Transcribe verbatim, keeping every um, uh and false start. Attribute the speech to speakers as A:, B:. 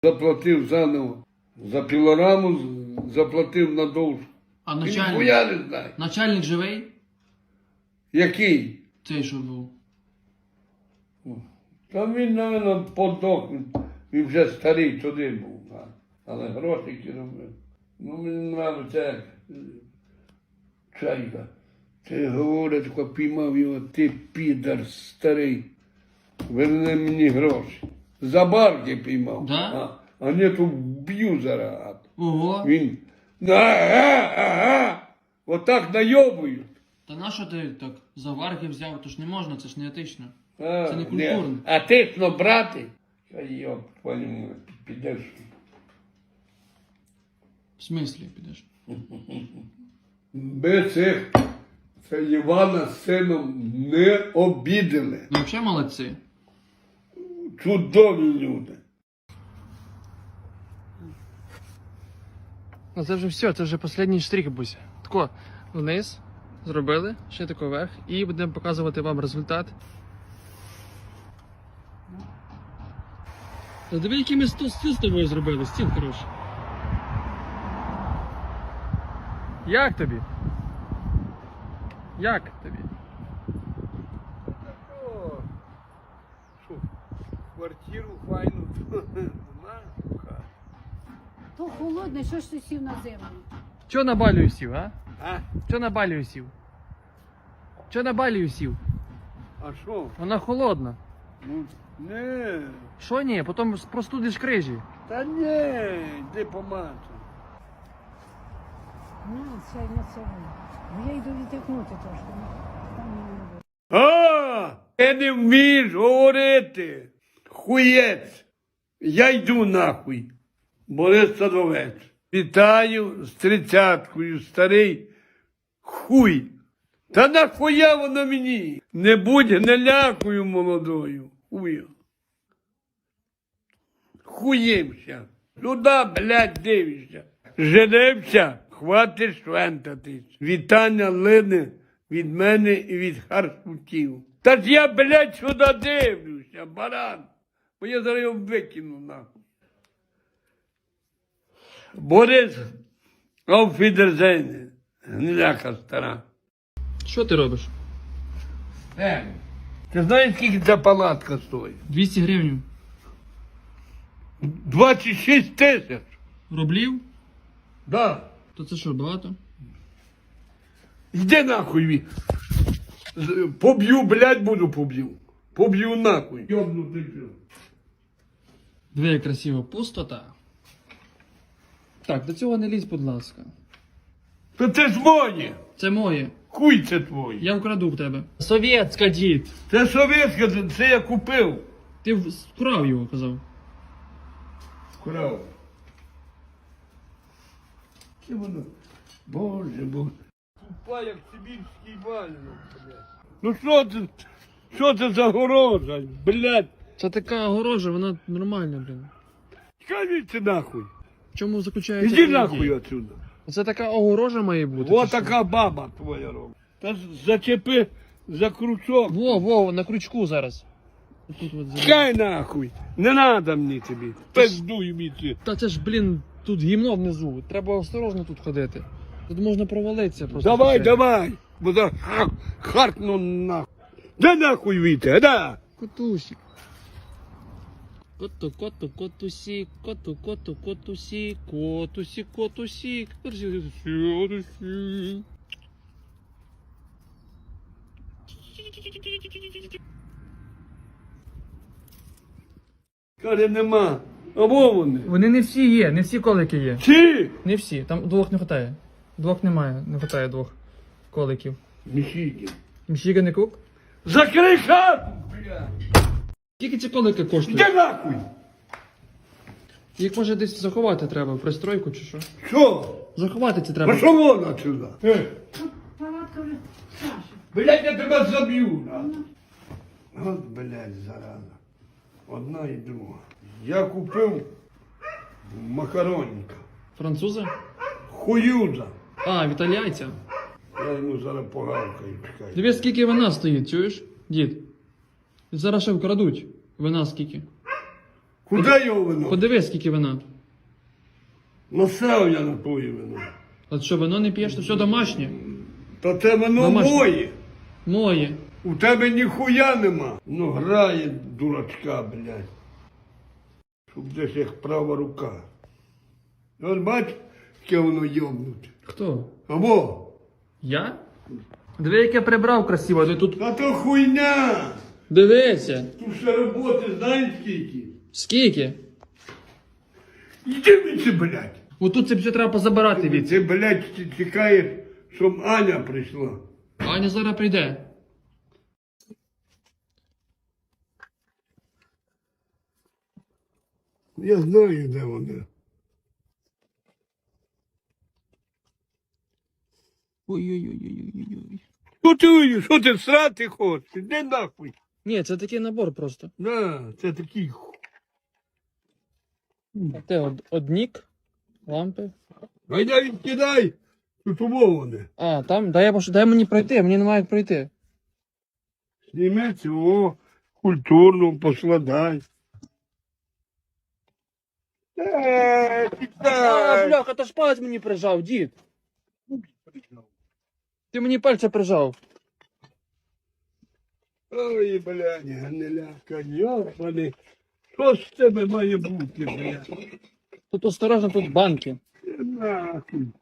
A: Заплатив заново. За пілораму заплатив на довжку.
B: А
A: Ніхуя
B: начальник?
A: не знаю.
B: Начальник живий?
A: Який?
B: Цей, що був.
A: Та він, мабуть, подох. Він вже старий туди був. Але гроші робив. Ну, мені нравиться, як Чайка. Ти говорить, коли піймав його, ти підар старий. Верни мені гроші. За барки піймав.
B: Да?
A: А, а не то вб'ю зараз.
B: Ого.
A: Він, ага, ага, отак найобують.
B: Та нащо ти так заварки взяв? То ж не можна, це ж не етично.
A: А,
B: Це не культурно.
A: не. А ти ж брати? Та йоп, твою, підеш.
B: В смислі підеш?
A: Ми цих, це Івана з сином не обідали.
B: Ну взагалі молодці.
A: Чудові люди.
B: Ну це вже все, це вже останній штрих, Буся. Тако, вниз зробили, ще тако вверх, і будемо показувати вам результат. Та диви, який ми стіл з тобою зробили, стіл хороший. Як тобі? Як тобі?
A: О, що, квартиру файну знаєш?
C: То холодне, що ж ти сів на землю?
B: Чо на балію сів, а?
A: А?
B: Чо на балію сів? Чо на балію сів?
A: А що?
B: Вона холодна.
A: Ну, не.
B: Що ні? Потім простудиш крижі.
A: Та ні, йди помацай.
C: Ну, це не це. Бо я йду відтягнути трошки. Там не буде.
A: А, ти не вмієш говорити. Хуєць. Я йду нахуй. Борис Садовець. Вітаю з тридцяткою, старий хуй. Та нахуя воно мені? Не будь гнилякою молодою. Хую. Хуємся. Сюди, блядь, дивишся. Женився, хватить швентатись. Вітання лине від мене і від харсутів. Та ж я, блядь, сюди дивлюся, баран. Бо я зараз його викину, нахуй. Борис, ауфідерзейне, гниляка стара.
B: Що ти робиш?
A: Е, ти знаєш, скільки ця палатка стоїть?
B: двісті гривень.
A: двадцять шість тисяч.
B: Рублів?
A: Да.
B: То це що, багато?
A: Йди нахуй. ві- З- Поб'ю, блядь, буду поб'ю. Поб'ю нахуй. Йобнутий пів.
B: Диви, як красиво. Пустота. Так, до цього не лізь, будь ласка.
A: Та це ж моє.
B: Це моє.
A: Хуй це твоє.
B: Я вкраду в тебе. Совєтська, дід.
A: Це совєтське, це- це я купив.
B: Ти вкрав його, казав.
A: Крав. Це воно. Боже, боже. Тупа, як сибірський валянок, блядь. Ну що це? Що це за горожа, блядь?
B: Це така огорожа, вона нормальна, блін.
A: Скажіть нахуй.
B: В чому заключається?
A: Іди
B: ідея?
A: нахуй отсюда.
B: Це така огорожа має бути.
A: О,
B: чи що?
A: така баба твоя робить. Та зачепи за крючок.
B: Во, во, на крючку зараз. Тут от зараз.
A: Чекай нахуй. Не надо мені тобі. Пиздуй мені.
B: Та це ж, блін, тут гімно внизу. Треба осторожно тут ходити. Тут можна провалитися просто.
A: Давай,
B: Це-
A: давай. Бо за ха- хартну нахуй. Да нахуй віте, да.
B: Котусик. Коту, коту, котусик, коту, коту, котусик, котусик, котусик, котусик, котусик.
A: Каже, нема. Або вони.
B: Вони не всі є, не всі колики є.
A: Чи?
B: Не всі, там двох не вистачає. Двох немає, не вистачає двох коликів.
A: Міхіки.
B: Міщіга не кук?
A: Закрий хату, блядь.
B: Скільки ці колики коштують?
A: Де нахуй?
B: Їх може десь заховати треба, в пристройку чи що?
A: Що?
B: Заховати це треба.
A: Пошов вон отсюда. Е.
C: Палатка вже Саша.
A: Блядь, я тебе заб'ю. От, блядь, зараза. Одна і друга. Я купив макаронника.
B: Французи?
A: Хуюза.
B: А, в італійця.
A: Я йому зараз погавкаю, чекай.
B: Дивись, скільки вина стоїть, чуєш, дід? Зараз ще вкрадуть. Вина скільки?
A: Куди його вино?
B: Подивись, скільки вина.
A: Насрав я на твоє вино.
B: От що, вино не п'єш, то все домашнє.
A: Та це вино
B: Домашнє.
A: моє.
B: Моє.
A: У тебе ніхуя нема. Ну грає дурачка, блядь. Щоб десь як права рука. От бач, яке воно йобнуте.
B: Хто?
A: Або,
B: Я? Диви, як я прибрав красиво, ти тут.
A: та то хуйня.
B: Дивися.
A: Тут ще роботи знаєш скільки?
B: Скільки?
A: Іди від це, блядь.
B: Отут це все треба позабирати від.
A: Ти, блядь, ти чекаєш, щоб Аня прийшла.
B: Аня зараз прийде.
A: Я знаю, де вона.
B: Ой-ой-ой-ой-ой-ой.
A: Що ти, що ти срати хочеш? Іди нахуй.
B: Ні, це такий набор просто.
A: На, це такий ху.
B: Те од, однік, лампи.
A: Гайда відкидай. Тут умоване.
B: А, там, дай, я пош- дай мені пройти, мені немає як пройти.
A: Зніми цього культурно поскладай. Е,
B: А,
A: тікай.
B: бляха, то ж палець мені прижав, дід. Ти мені пальця прижав.
A: Ой, блядь, гниляка, йобаний. Що з тебе має бути, блядь?
B: Тут осторожно, тут банки.
A: Нахуй.